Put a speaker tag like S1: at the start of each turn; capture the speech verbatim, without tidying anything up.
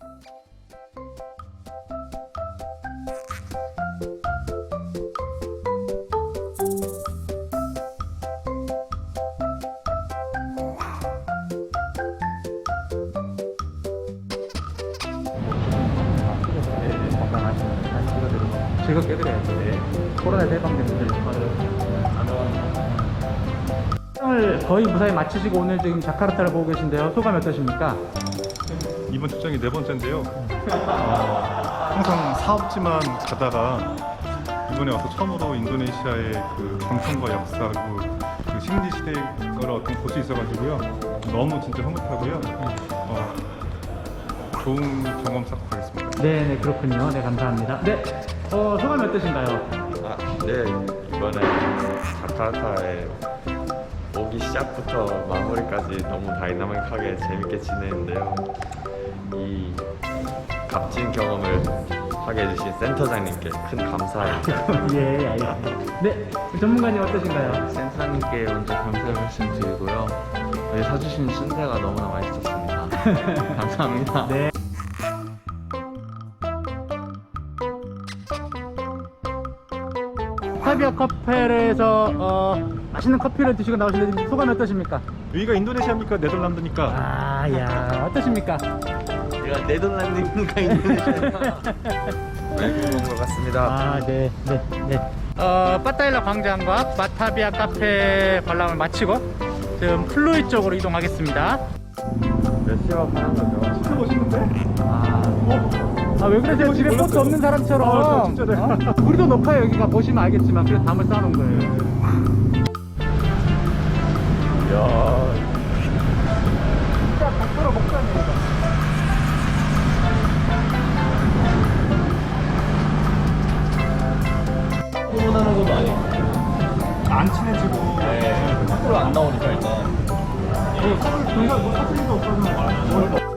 S1: 즐겁게 해드려야죠. 네. 코로나 예방된 분들 을 거의 무사히 마치시고 오늘 지금 자카르타를 보고 계신데요. 소감이 어떠십니까?
S2: 이번 출장이 네 번째인데요. 어, 항상 사업지만 가다가 이번에 와서 처음으로 인도네시아의 그 전통과 역사 그리고 그 식민 시대를 어떤 볼 수 있어가지고요. 너무 진짜 행복하고요. 어, 좋은 경험 쌓고 가겠습니다.
S1: 네네 그렇군요. 네 감사합니다. 네 어, 소감이 어떠신가요?
S3: 아, 네 이번에 자카르타에 오기 시작부터 마무리까지 너무 다이나믹하게 재밌게 지내는데요. 이 값진 경험을 하게 해주신 센터장님께 큰 감사합니다.
S1: 예 알겠습니다. 네 전문가님 어떠신가요?
S4: 센터장님께 먼저 감사의 말씀 드리고요. 저희 사주신 순대가 너무나 맛있었습니다. 감사합니다.
S1: 네. 타비아 카페에서 어, 맛있는 커피를 드시고 나오시는데 소감이 어떠십니까?
S2: 여기가 인도네시아입니까? 네덜란드입니까?
S1: 아야 어떠십니까?
S4: 제가 네덜란드인가 인도네시아인가
S3: 네, 것 같습니다.
S1: 아, 네, 네, 네. 어, 빠타일라 광장과 마타비아 카페 관람을 마치고 지금 플루이 쪽으로 이동하겠습니다.
S3: 몇 시간 하는 거죠?
S2: 진짜 멋있는데?
S1: 아, 어? 아, 왜 그러세요? 집에
S2: 멋있어요.
S1: 버스 없는 사람처럼.
S2: 아, 진짜, 네.
S1: 어? 우리도 높아요, 여기가. 보시면 알겠지만. 그래서 담을 쌓아놓은 거예요.
S3: 이야,
S1: 진짜 각도로 먹자네요.
S4: 후원하는 것도 아니고
S2: 안 친해지고
S4: 네, 밖으로 안 나오니까 일단
S1: 네, 저희가 뭐 사투리도 없어서.